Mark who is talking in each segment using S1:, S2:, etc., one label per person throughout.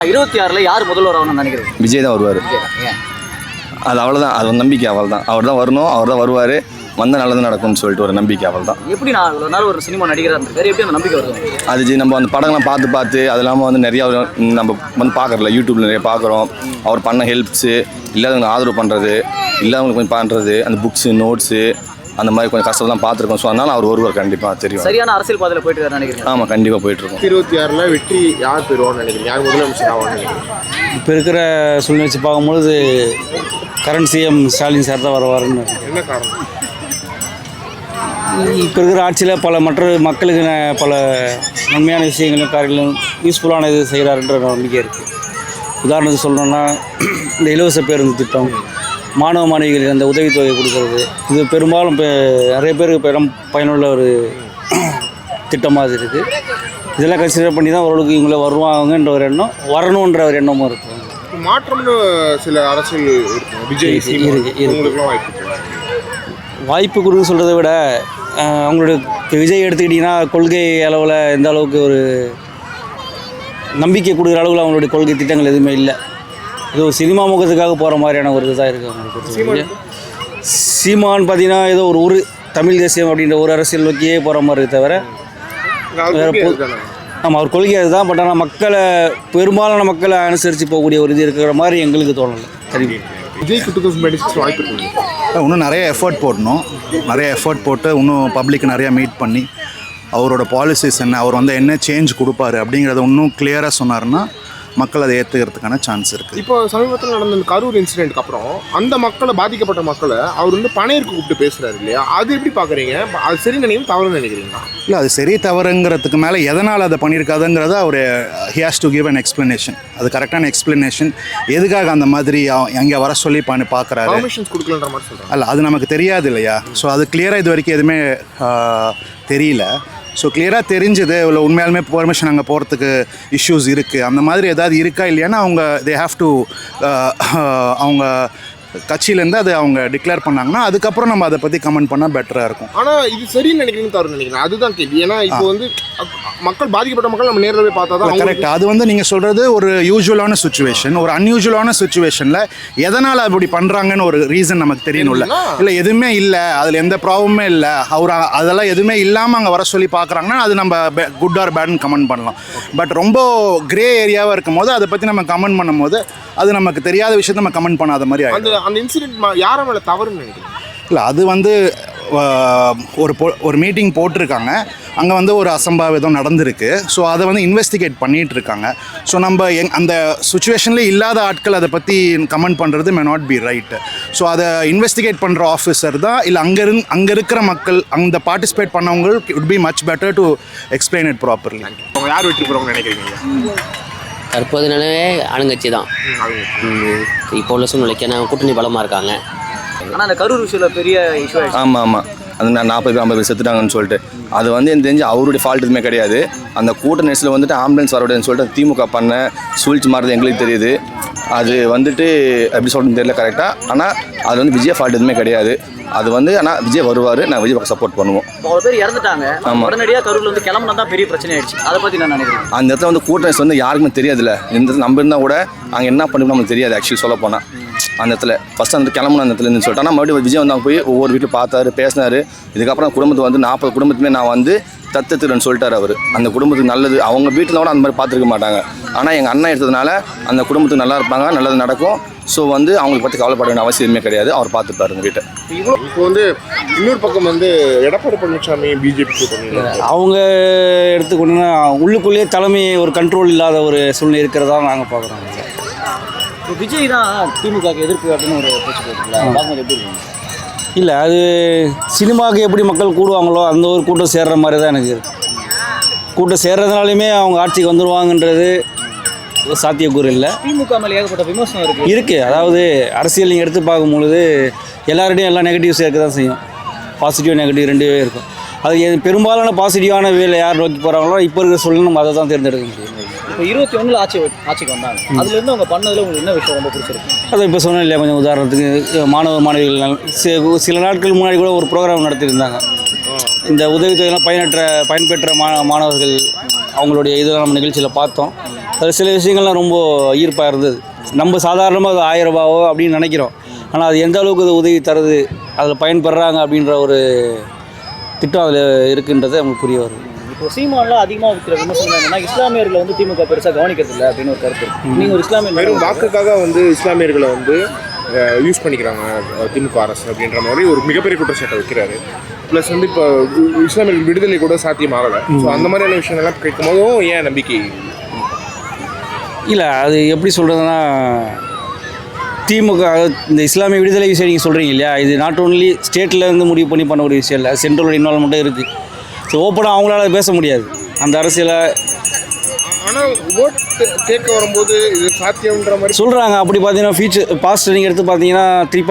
S1: 26ல் யார் முதல்வர் ஆகணும்னு நினைக்கிறீங்க?
S2: விஜய் தான் வருவார். அது அவ்வளோதான், அது ஒரு நம்பிக்கை. அவள் தான், அவர் தான் வரணும், அவர் தான் வருவார், வந்தால் நல்லது நடக்கும்னு சொல்லிட்டு ஒரு நம்பிக்கை. அவள் தான்.
S1: எப்படி நான் இவ்வளோ நாள் ஒரு சினிமா நடிகராக இருந்திருக்காரு, எப்படி அந்த நம்பிக்கை வருது?
S2: அது நம்ம அந்த படங்கள்லாம் பார்த்து அது இல்லாமல் வந்து நிறையா நம்ம வந்து பார்க்குறல, யூடியூப்பில் நிறைய பார்க்குறோம். அவர் பண்ண ஹெல்ப்ஸு, இல்லாதவங்களுக்கு ஆதரவு பண்ணுறது, இல்லாதவங்களுக்கு கொஞ்சம் பண்ணுறது, அந்த புக்ஸு நோட்ஸு அந்த மாதிரி கொஞ்சம் கஷ்டம் பார்த்துருக்கோம். ஸோ அதனால் அவர் ஒருவர் கண்டிப்பாக தெரியும்.
S1: சரியான அரசியல் பாதையில் போயிட்டு இருக்காரு நினைக்கிறேன்.
S2: ஆமாம், கண்டிப்பாக போயிட்டுருக்கோம்.
S3: 26ல் வெற்றி யார் பெறுவான்னு நினைக்கிறீங்க? யார் முதலமைச்சர் ஆவான்னு நினைக்கிறீங்க?
S4: இப்போ இருக்கிற சூழ்நிலை வச்சு பார்க்கும்பொழுது கரண்ட் சிஎம் ஸ்டாலின் சார் தான் வருவாருன்னு.
S3: என்ன காரணம்?
S4: இப்போ இருக்கிற ஆட்சியில் பல மற்ற மக்களுக்கு பல நன்மையான விஷயங்களும் காரியங்களும் யூஸ்ஃபுல்லான இது செய்கிறாருன்ற நம்பிக்கை இருக்குது. உதாரணத்துக்கு சொல்லணும்னா இந்த இலவச பேருந்து திட்டம், மாணவ மாணவிகளுக்கு அந்த உதவித்தொகை கொடுக்கறது, இது பெரும்பாலும் இப்போ நிறைய பேருக்கு பயனுள்ள ஒரு திட்டமாக இருக்குது. இதெல்லாம் கன்சிடர் பண்ணி தான் ஓரளவுக்கு இவங்கள வருவாங்கன்ற ஒரு எண்ணம், வரணுன்ற ஒரு எண்ணமும் இருக்கும்.
S3: மாற்றம்னு சில அரசியல் இருக்கும். விஜய் இவங்களுக்குலாம்
S4: வாய்ப்பு கொடுன்னு சொல்கிறத விட அவங்களோட விஜய் எடுத்துக்கிட்டிங்கன்னா கொள்கை அளவில் எந்த அளவுக்கு ஒரு நம்பிக்கை கொடுக்குற அளவில் அவங்களுடைய கொள்கை திட்டங்கள் எதுவுமே இல்லை. ஏதோ சினிமா முகத்துக்காக போகிற மாதிரியான ஒரு இதாக இருக்குது அவங்களுக்கு. சீமான்னு பார்த்தீங்கன்னா ஏதோ ஒரு தமிழ் தேசியம் அப்படின்ற ஒரு அரசியல் நோக்கியே போகிற மாதிரி தவிர ஆமாம், அவர் கொள்கை அதுதான். பட் ஆனால் மக்களை பெரும்பாலான மக்களை அனுசரித்து போகக்கூடிய ஒரு இது இருக்கிற மாதிரி எங்களுக்கு தோணலை. தெரியும்
S3: விஜய் 2026 வாய்ப்பு இருக்குது.
S5: இன்னும் நிறைய எஃபர்ட் போடணும். நிறைய எஃபர்ட் போட்டு இன்னும் பப்ளிக் நிறையா மீட் பண்ணி அவரோட பாலிசிஸ் என்ன, அவர் வந்து என்ன சேஞ்ச் கொடுப்பாரு அப்படிங்கிறத இன்னும் கிளியராக சொன்னார்னா மக்கள் அதை ஏற்றுக்கிறதுக்கான சான்ஸ் இருக்குது.
S3: இப்போ சமீபத்தில் நடந்த இந்த கரூர் இன்சிடென்ட்க்கு அப்புறம் அந்த மக்களை, பாதிக்கப்பட்ட மக்களை அவர் வந்து பணையருக்கு கூப்பிட்டு பேசுகிறாரு இல்லையா? அது எப்படி பார்க்குறீங்க? அது சரி நினைக்கிறீங்க, தவறுன்னு நினைக்கிறீங்களா?
S5: இல்லை, அது சரி தவறுங்கிறதுக்கு மேலே எதனால் அதை பண்ணியிருக்காதுங்கிறத அவர் he has to give an explanation. அது கரெக்டான எக்ஸ்ப்ளனேஷன். எதுக்காக அந்த மாதிரி அங்கே வர சொல்லி பார்க்குறாரு,
S3: பர்மிஷன்ஸ் கொடுக்கலன்ற மாதிரி சொல்கிறாங்க.
S5: அல்ல, அது நமக்கு தெரியாது இல்லையா? ஸோ அது கிளியராக இது வரைக்கும் எதுவுமே தெரியல. ஸோ கிளியராக தெரிஞ்சது இவ்வளோ உண்மையாலுமே பெர்மிஷன் அங்கே போகிறதுக்கு இஷ்யூஸ் இருக்குது, அந்த மாதிரி ஏதாவது இருக்கா இல்லையானா அவங்க தே ஹாவ் டு அவங்க கட்சியிலேருந்து அதை அவங்க டிக்ளேர் பண்ணாங்கன்னா அதுக்கப்புறம் நம்ம அதை பற்றி கமெண்ட் பண்ணால் பெட்டராக இருக்கும்.
S3: ஆனால் இது சரின்னு நினைக்கிறீங்கன்னு தவறு நினைக்கிறேன், அதுதான் கேள்வி. ஏன்னா இப்போ வந்து மக்கள், பாதிக்கப்பட்ட மக்கள் நம்ம நேரில் போய் பார்த்தா தான்
S5: கரெக்ட். அது வந்து நீங்கள் சொல்கிறது ஒரு யூஸ்வலான சுச்சுவேஷன். ஒரு அன்யூஸ்வலான சுச்சுவேஷனில் எதனால் அப்படி பண்ணுறாங்கன்னு ஒரு ரீசன் நமக்கு தெரியணும்ல. இல்லை, எதுவுமே இல்லை, அதில் எந்த ப்ராப்ளமே இல்லை, அவர் அதெல்லாம் எதுவுமே இல்லாமல் அங்கே வர சொல்லி பார்க்குறாங்கன்னா அது நம்ம குட் ஆர் பேட்னு கமெண்ட் பண்ணலாம். பட் ரொம்ப கிரே ஏரியாவாக இருக்கும் போது அதை பற்றி நம்ம கமெண்ட் பண்ணும் போது அது நமக்கு தெரியாத விஷயத்தை நம்ம கமெண்ட் பண்ணாத மாதிரி ஆகிடும்.
S3: அந்த இன்சிடென்ட் யாரை மேலே தவறுன்னு நினைக்கிறேன்?
S5: இல்லை, அது வந்து ஒரு மீட்டிங் போட்டிருக்காங்க, அங்கே வந்து ஒரு அசம்பாவிதம் நடந்திருக்கு. ஸோ அதை வந்து இன்வெஸ்டிகேட் பண்ணிகிட்டு இருக்காங்க. ஸோ நம்ம அந்த சுச்சுவேஷனில் இல்லாத ஆட்கள் அதை பற்றி கமெண்ட் பண்ணுறது may not be right. So அதை இன்வெஸ்டிகேட் பண்ணுற ஆஃபீஸர் தான், இல்லை அங்கே இருக்கிற மக்கள், அந்த பார்ட்டிசிபேட் பண்ணவங்களுக்கு it be much better to explain it properly.
S3: அவங்க யார் வெற்றி பெறுவாங்கன்னு நினைக்கிறீங்க?
S6: தற்போது நிலவே ஆளுங்கட்சி தான் இப்போ உள்ள சூழ்நிலைக்கு. ஏன்னா கூட்டணி பலமாக இருக்காங்க.
S1: ஆனால் அந்த கரூர் விஷயத்தில் பெரிய இஷ்யூ ஆகிடுச்சு.
S2: ஆமாம், அது 40 பேர் 50 பேர் செத்துட்டாங்கன்னு சொல்லிட்டு அது வந்து எனக்கு தெரிஞ்சு அவருடைய ஃபால்ட் எதுவுமே கிடையாது. அந்த கூட்ட நெரிசலில் வந்துட்டு ஆம்புலன்ஸ் வரவிடன்னு சொல்லிட்டு திமுக பண்ண சூழ்ச்சி மாறுறது எங்களுக்கு தெரியுது. அது வந்துட்டு எப்படி சொல்கிறதுன்னு தெரியல கரெக்டாக. ஆனால் அது வந்து விஜய் ஃபால்ட் எதுவுமே கிடையாது. அது வந்து ஆனால் விஜய் வருவார், நான் விஜய் பக்கம் சப்போர்ட் பண்ணுவோம்.
S1: அவ்வளோ பேர் இறந்துட்டாங்க. ஆமாம், உடனடியாக கரூரில் வந்து கிளம்புனா தான் பெரிய பிரச்சனை ஆயிடுச்சு. அதை பற்றி நான் நினைக்கிறேன். அந்த
S2: இடத்துல வந்து கூட்ட நெரிசல் வந்து யாருக்குமே தெரியாதுல்ல. இந்த இடத்துல நம்ம இருந்தால் கூட அங்கே என்ன பண்ணிக்கணும் நமக்கு தெரியாது. ஆக்சுவலி சொல்ல போனால் அந்த இடத்துல ஃபஸ்ட்டு அந்த கிளம்புன அந்த இடத்துலேருந்து சொல்லிட்டு, ஆனால் மறுபடியும் விஜய் வந்து அவங்க போய் ஒவ்வொரு வீட்டில் பார்த்தாரு, பேசினார். இதுக்கப்புறம் குடும்பத்தை வந்து 40 குடும்பத்துமே நான் வந்து தத்துறேன்னு சொல்லிட்டார் அவர். அந்த குடும்பத்துக்கு நல்லது, அவங்க வீட்டில் கூட அந்த மாதிரி பார்த்துருக்க மாட்டாங்க. ஆனால் எங்கள் அண்ணன் எடுத்ததுனால அந்த குடும்பத்துக்கு நல்லா இருப்பாங்க, நல்லது நடக்கும். ஸோ வந்து அவங்களுக்கு பற்றி கவலைப்பட வேண்டிய அவசியமே கிடையாது. அவர் பார்த்துப்பாரு இந்த வீட்டை.
S3: இப்போ வந்து இன்னொரு பக்கம் வந்து எடப்பாடி பழனிசாமி பிஜேபி
S4: அவங்க எடுத்துக்கொண்டா உள்ளுக்குள்ளேயே தலைமை ஒரு கண்ட்ரோல் இல்லாத ஒரு சூழ்நிலை இருக்கிறதா நாங்கள் பார்க்குறோம்.
S1: இப்போ விஜய் தான் திமுக எதிர்ப்பு அப்படின்னு ஒரு பேச்சு போட்டுருக்கல, எப்படி இருக்கு?
S4: இல்லை, அது சினிமாவுக்கு எப்படி மக்கள் கூடுவாங்களோ அந்த ஒரு கூட்டம் சேர்ற மாதிரி தான் எனக்கு இருக்குது. கூட்டம் சேர்றதுனாலையுமே அவங்க ஆட்சிக்கு வந்துடுவாங்கன்றது சாத்தியக்கூறு இல்லை.
S1: திமுக மேலே ஏகப்பட்ட விமர்சனம் இருக்குது.
S4: அதாவது அரசியல் நீங்கள் எடுத்து பார்க்கும்பொழுது எல்லாருடையும் எல்லா நெகட்டிவ்ஸ் இருக்க தான் செய்யும். பாசிட்டிவ் நெகட்டிவ் ரெண்டுவே இருக்கும். அது பெரும்பாலான பாசிட்டிவான வேலை யார் நோக்கி போகிறாங்களோ இப்போ இருக்கிற சூழ்நிலை நம்ம அதை தான் தேர்ந்தெடுக்க முடியும்.
S1: இப்போ 21 ஆட்சிக்கு வந்தாங்க. அதுலேருந்து அவங்க பண்ணதில் உங்களுக்கு என்ன விஷயம் ரொம்ப பிடிச்சிருக்கு?
S4: அதை இப்போ சொன்னேன் இல்லையா, கொஞ்சம் உதாரணத்துக்கு மாணவிகள் சில நாட்கள் முன்னாடி கூட ஒரு ப்ரோக்ராம் நடத்தியிருந்தாங்க. இந்த உதவித்தொகையெல்லாம் பயன்பெற்ற மாணவர்கள் அவங்களுடைய இதெல்லாம் நம்ம நிகழ்ச்சியில் பார்த்தோம். அது சில விஷயங்கள்லாம் ரொம்ப ஈர்ப்பாக இருந்தது. நம்ம சாதாரணமாக அது 1000 ரூபாவோ அப்படின்னு நினைக்கிறோம். ஆனால் அது எந்த அளவுக்கு அது உதவி தருது, அதில் பயன்படுறாங்க அப்படின்ற ஒரு திட்டம் அதில் இருக்குன்றது நமக்கு புரிய வருது.
S1: இப்போ சீமான்லாம் அதிகமாக வைக்கிற விமர்சனம் என்னன்னா இஸ்லாமியர்களை வந்து திமுக பெருசாக கவனிக்கிறது இல்லை அப்படின்னு ஒரு கருத்து இருக்கு. நீங்கள் ஒரு இஸ்லாமியர்
S3: வெறும் வாக்குக்காக வந்து இஸ்லாமியர்களை வந்து யூஸ் பண்ணிக்கிறாங்க திமுக அரசு அப்படின்ற மாதிரி ஒரு மிகப்பெரிய குற்றச்சாட்டை வைக்கிறாரு. ப்ளஸ் வந்து இப்போ இஸ்லாமியர்கள் விடுதலை கூட சாத்தியமாகலை. ஸோ அந்த மாதிரியான விஷயங்கள்லாம் கேட்கும் போதும் ஏன் நம்பிக்கை
S4: இல்லை, அது எப்படி சொல்கிறதுனா திமுக இந்த இஸ்லாமிய விடுதலை விஷயம் நீங்கள் சொல்கிறீங்க இல்லையா, இது நாட் ஓன்லி ஸ்டேட்டில் இருந்து முடிவு பண்ண ஒரு விஷயம் இல்லை, சென்ட்ரலோட இன்வால்மெண்ட்டும் இருக்குது. ஸோ ஓப்பனாக அவங்களால பேச முடியாது அந்த அரசியலை.
S3: ஆனால் ஓட் கேட்க வரும்போது இது சாத்தியம்ன்ற மாதிரி
S4: சொல்கிறாங்க. அப்படி பார்த்தீங்கன்னா பாஸ்ட் நீங்கள் எடுத்து பார்த்தீங்கன்னா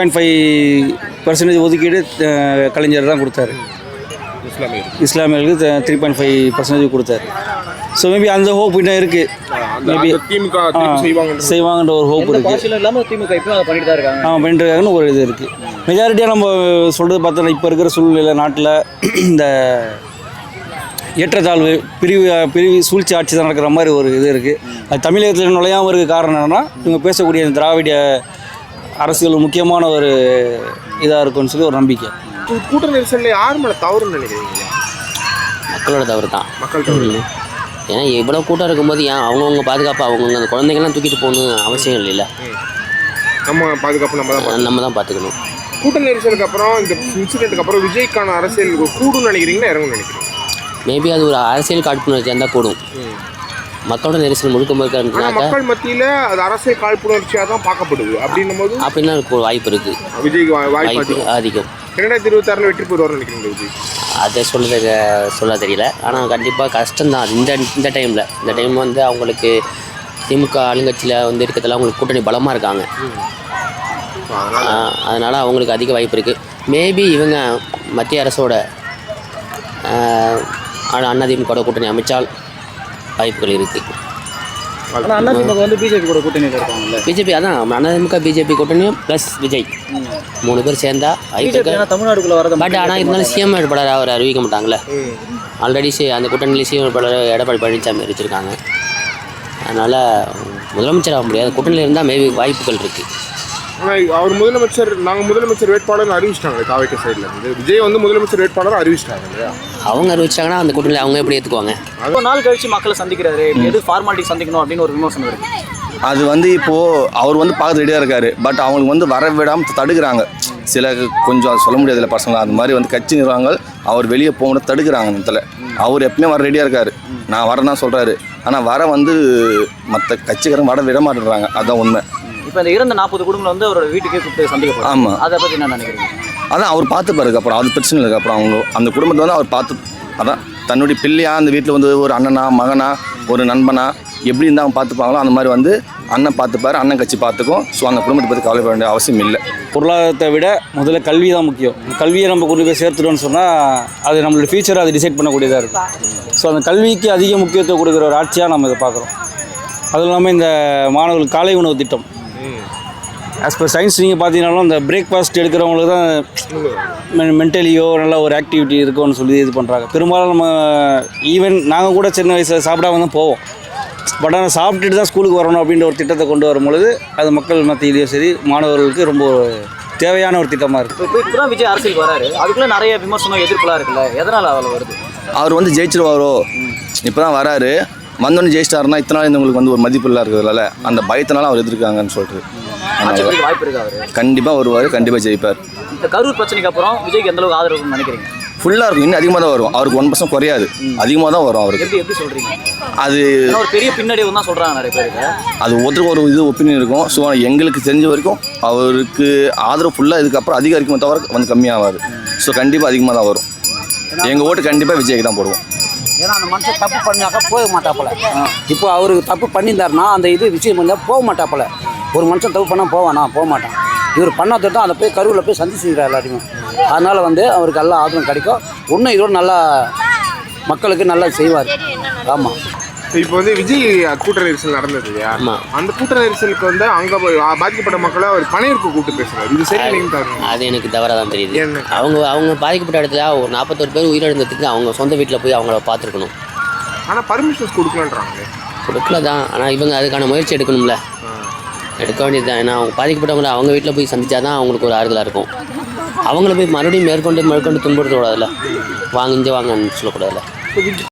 S4: 3.5% ஒதுக்கீடு கலைஞர் தான் கொடுத்தாரு. இஸ்லாமியர்களுக்கு 3.5% கொடுத்தாரு. ஸோ மேபி அந்த ஹோப் இன்னும் இருக்குது. மேபி
S3: திமுக
S4: செய்வாங்கன்ற ஒரு ஹோப் இருக்குது.
S1: பாசில இல்லாமல் திமுக இப்போ அதை பண்ணிட்டு தான் இருக்காங்க.
S4: பண்ணிட்டு இருக்காங்கன்னு ஒரு இது இருக்குது. மெஜாரிட்டியாக நம்ம சொல்கிறது பார்த்தோன்னா இப்போ இருக்கிற சூழ்நிலை நாட்டில் இந்த ஏற்றத்தாழ்வு பிரிவு சூழ்ச்சி ஆட்சி தான் நடக்கிற மாதிரி ஒரு இது இருக்குது. அது தமிழகத்தில் நுழையாமல் இருக்க காரணம் என்னென்னா இவங்க பேசக்கூடிய இந்த திராவிட அரசியல் முக்கியமான ஒரு இதாக இருக்கும்னு சொல்லி ஒரு நம்பிக்கை.
S3: கூட்ட நெரிசலில் யார் மேலே தவறுன்னு நினைக்கிறீங்க?
S6: மக்களோட தவறு தான்.
S3: மக்கள் தவறு.
S6: ஏன்னா இவ்வளோ கூட்டம் இருக்கும்போது ஏன் அவங்கவுங்க பாதுகாப்பு அவங்கவுங்க அந்த குழந்தைங்கள்லாம் தூக்கிட்டு போகணும்னு அவசியம் இல்லைல்ல.
S3: நம்ம பாதுகாப்பு
S6: நம்ம தான் பார்த்துக்கணும்.
S3: கூட்ட நெரிசலுக்கு அப்புறம் இந்த இன்சிடென்ட்டுக்கு அப்புறம் விஜய்க்கான அரசியல் கூடுன்னு நினைக்கிறீங்கன்னா இறங்கும்னு நினைக்கிறீங்க?
S6: மேபி அது ஒரு அரசியல் காழ்ப்புணர்ச்சியாக இருந்தால் கூடும். மக்களோட நெரிசல் முழுக்க
S3: மக்கள் மத்தியில் அது அரசியல் காழ்ப்புணர்ச்சியாக தான் பார்க்கப்படுது. அப்படின்னும் போது
S6: அப்படின்னா வாய்ப்பு இருக்குது.
S3: விஜய்க்கு வாய்ப்பு
S6: அதிகம்.
S3: 2026 வெற்றி பெறுவார்னு நினைக்கிறீங்க விஜய்?
S6: அதை சொல்ல தெரியல. ஆனால் கண்டிப்பாக கஷ்டம்தான் இந்த டைமில் வந்து அவங்களுக்கு திமுக ஆளுங்கட்சியில் வந்து இருக்கிறதுல அவங்களுக்கு கூட்டணி பலமாக இருக்காங்க. அதனால் அவங்களுக்கு அதிக வாய்ப்பு இருக்குது. மேபி இவங்க மத்திய அரசோட அதிமுக கூட்டணி அமைச்சால் வாய்ப்புகள் இருக்குது.
S1: ஆனால் அதிமுக வந்து பிஜேபி கூட கூட்டணி இருக்காங்கல்ல.
S6: பிஜேபி அதான் அதிமுக பிஜேபி கூட்டணியும் ப்ளஸ் விஜய் 3 பேர் சேர்ந்தா
S1: தமிழ்நாடுக்குள்ள வரது.
S6: பட் ஆனால் இருந்தாலும் சிஎம் வேட்பாளர் அவர் அறிவிக்க மாட்டாங்களே. ஆல்ரெடி அந்த கூட்டணியில் சிஎம் வேட்பாளர் எடப்பாடி பழனிசாமி அறிவிச்சிருக்காங்க. அதனால் முதலமைச்சர் ஆக முடியாது. கூட்டணியில் இருந்தால் மேபி வாய்ப்புகள் இருக்குது.
S3: ஆனால் அவர் நாங்கள் முதலமைச்சர் வேட்பாளர் அறிவிச்சிட்டாங்க. தாவேக்க சைடில் இருந்து விஜய் வந்து முதலமைச்சர் வேட்பாளர் அறிவிச்சிட்டாங்க இல்லையா?
S6: அவங்க அறிவிச்சாங்கன்னா அந்த கூட்டணியில் அவங்க எப்படி ஏற்றுக்குவாங்க?
S1: அவ்வளோ நாள் கழிச்சு மக்களை சந்திக்கிறாரு, எது ஃபார்மாலிட்டி சந்திக்கணும் அப்படின்னு ஒரு விமர்சனம் இருக்குது.
S2: அது வந்து இப்போது அவர் வந்து பார்க்க ரெடியாக இருக்கார். பட் அவங்களுக்கு வந்து வர விடாமல் தடுக்கிறாங்க. சில கொஞ்சம் அது சொல்ல முடியாதுல்ல பசங்க, அந்த மாதிரி வந்து கட்சி நிர்வாகங்கள் அவர் வெளியே போகணும் தடுக்கிறாங்க. அந்த இடத்துல அவர் எப்பவுமே வர ரெடியாக இருக்கார். நான் வரேன்னு தான் சொல்கிறாரு. ஆனால் வர வந்து மற்ற கட்சிக்காரங்க வர விட மாட்டேறாங்க. அதுதான் உண்மை.
S1: இப்போ இந்த இறந்த 40 குடும்பங்கள் வந்து அவரோட வீட்டுக்கே கூப்பிட்டு சந்திக்க.
S2: ஆமாம்,
S1: அதை பற்றி என்ன நினைக்கிறீங்க?
S2: அதான் அவர் பார்த்துப்பாருக்கு. அப்புறம் அது பிரச்சனை இல்லை. அப்புறம் அவங்க அந்த குடும்பத்தை வந்து அவர் பார்த்து அதான் தன்னுடைய பிள்ளையா அந்த வீட்டில் வந்து ஒரு அண்ணனா மகனா ஒரு நண்பனா எப்படி இருந்தால் அவங்க பார்த்துப்பாங்களோ அந்த மாதிரி வந்து அண்ணன் பார்த்துப்பார், அண்ணன் கட்சி பார்த்துக்கும். ஸோ அந்த குடும்பத்தை பற்றி கவலைப்பட வேண்டிய அவசியம் இல்லை.
S4: பொருளாதாரத்தை விட முதல்ல கல்வி தான் முக்கியம். கல்வியை நம்ம கொண்டு போய் சேர்த்துட்டோம்னு சொன்னால் அது நம்மளோட ஃபியூச்சரை அது டிசைட் பண்ணக்கூடியதாக இருக்குது. ஸோ அந்த கல்விக்கு அதிக முக்கியத்துவம் கொடுக்குற ஒரு ஆட்சியாக நம்ம இதை பார்க்குறோம். அதுவும் இல்லாமல் இந்த மாணவர்கள் காலை உணவு திட்டம் ஆஸ் பர் சயின்ஸ் நீங்கள் பார்த்தீங்கன்னாலும் இந்த பிரேக்ஃபாஸ்ட் எடுக்கிறவங்களுக்கு தான் மென்டலியோ நல்ல ஒரு ஆக்டிவிட்டி இருக்கும்னு சொல்லி இது பண்ணுறாங்க. பெரும்பாலும் நம்ம ஈவன் நாங்கள் கூட சின்ன வயசில் சாப்பிடாம தான் போவோம். பட் ஆனால் சாப்பிட்டுட்டு தான் ஸ்கூலுக்கு வரணும் அப்படின்ற ஒரு திட்டத்தை கொண்டு வரும்பொழுது அது மக்கள் மத்தியிலையும் சரி மாணவர்களுக்கு ரொம்ப தேவையான ஒரு திட்டமாக இருக்குது.
S1: இப்போ தான் விஜய் அரசியலுக்கு வராரு, அதுக்குள்ளே நிறைய விமர்சனம் எதிர்ப்புலாம் இருக்குல்ல, எதனால் அவ்வளோ வருது?
S2: அவர் வந்து ஜெயிச்சிருவாரோ, இப்போ தான் வராரு, வந்தோன்னு ஜெயிச்சிட்டாருன்னா இத்தனை நாள் இருந்தவங்களுக்கு வந்து ஒரு மதிப்பில்லா இருக்கிறதுனால அந்த பயத்தினால அவர் எதிர்க்காங்கன்னு சொல்லிட்டு
S1: வாய்ப்பு இருக்கு. அவர்
S2: கண்டிப்பாக வருவார், கண்டிப்பாக ஜெயிப்பார்.
S1: இந்த கரூர் பிரச்சனைக்கு அப்புறம் விஜய்க்கு எந்த அளவுக்கு ஆதரவுன்னு நினைக்கிறீங்க?
S2: ஃபுல்லாக இருக்கும், இன்னும் அதிகமாக தான் வரும். அவருக்கு 1% குறையாது, அதிகமாக தான் வரும் அவருக்கு.
S1: எப்படி சொல்கிறீங்க?
S2: அது
S1: ஒரு பெரிய பின்னடைவு தான் சொல்கிறாங்க நிறைய பேருக்கு.
S2: அது ஒருத்தருக்கு ஒரு இது ஒப்பீனியன் இருக்கும். ஸோ எங்களுக்கு தெரிஞ்ச வரைக்கும் அவருக்கு ஆதரவு ஃபுல்லாக இதுக்கப்புறம் அதிகரிக்குமே தவிர வந்து கம்மியாகாது. ஸோ கண்டிப்பாக அதிகமாக தான் வரும். எங்கள் ஓட்டு கண்டிப்பாக விஜய்க்கு தான் போடுவோம்.
S7: ஏன்னா அந்த மனுஷன் தப்பு பண்ணாக்கா போக மாட்டாப்புல. இப்போ அவருக்கு தப்பு பண்ணியிருந்தாருன்னா அந்த இது விஷயம் பண்ணால் போக மாட்டாப்புல. ஒரு மனுஷன் தப்பு பண்ணால் போவானா? போக மாட்டான். இவர் பண்ணாத தான் அதை போய் கரூரில் போய் சந்திச்சுக்கிறார் எல்லாத்தையும். அதனால் வந்து அவருக்கு எல்லா ஆதரவும் கிடைக்கும். இன்னும் இதோட நல்லா மக்களுக்கு நல்லா செய்வார். ஆமாம்.
S3: இப்போ வந்து விஜய் கூட்ட நெரிசல் நடந்தது இல்லையா? அந்த கூட்ட நெரிசலுக்கு வந்து அங்கே பாதிக்கப்பட்ட மக்களை அவர் பணையருக்கு கூப்பிட்டு பேசுகிறார். இது சரி?
S6: அது எனக்கு தவறாக தான் தெரியுது. அவங்க பாதிக்கப்பட்ட இடத்துல ஒரு 41 பேர் உயிரிழந்ததுக்கு அவங்க சொந்த வீட்டில் போய் அவங்கள பார்த்துருக்கணும்.
S3: ஆனால் பர்மிஷன்ஸ் கொடுக்கலான்றாங்க.
S6: கொடுக்கல தான், ஆனால் இவங்க அதுக்கான முயற்சி எடுக்கணும்ல, எடுக்க வேண்டியது தான். ஏன்னா அவங்க பாதிக்கப்பட்டவங்களை அவங்க வீட்டில் போய் சந்தித்தா தான் அவங்களுக்கு ஒரு ஆறுதலாக இருக்கும். அவங்கள போய் மறுபடியும் மேற்கொண்டு துன்புறுத்தக்கூடாதுல்ல, வாங்க இங்கே வாங்கன்னு சொல்லக்கூடாதுல்ல.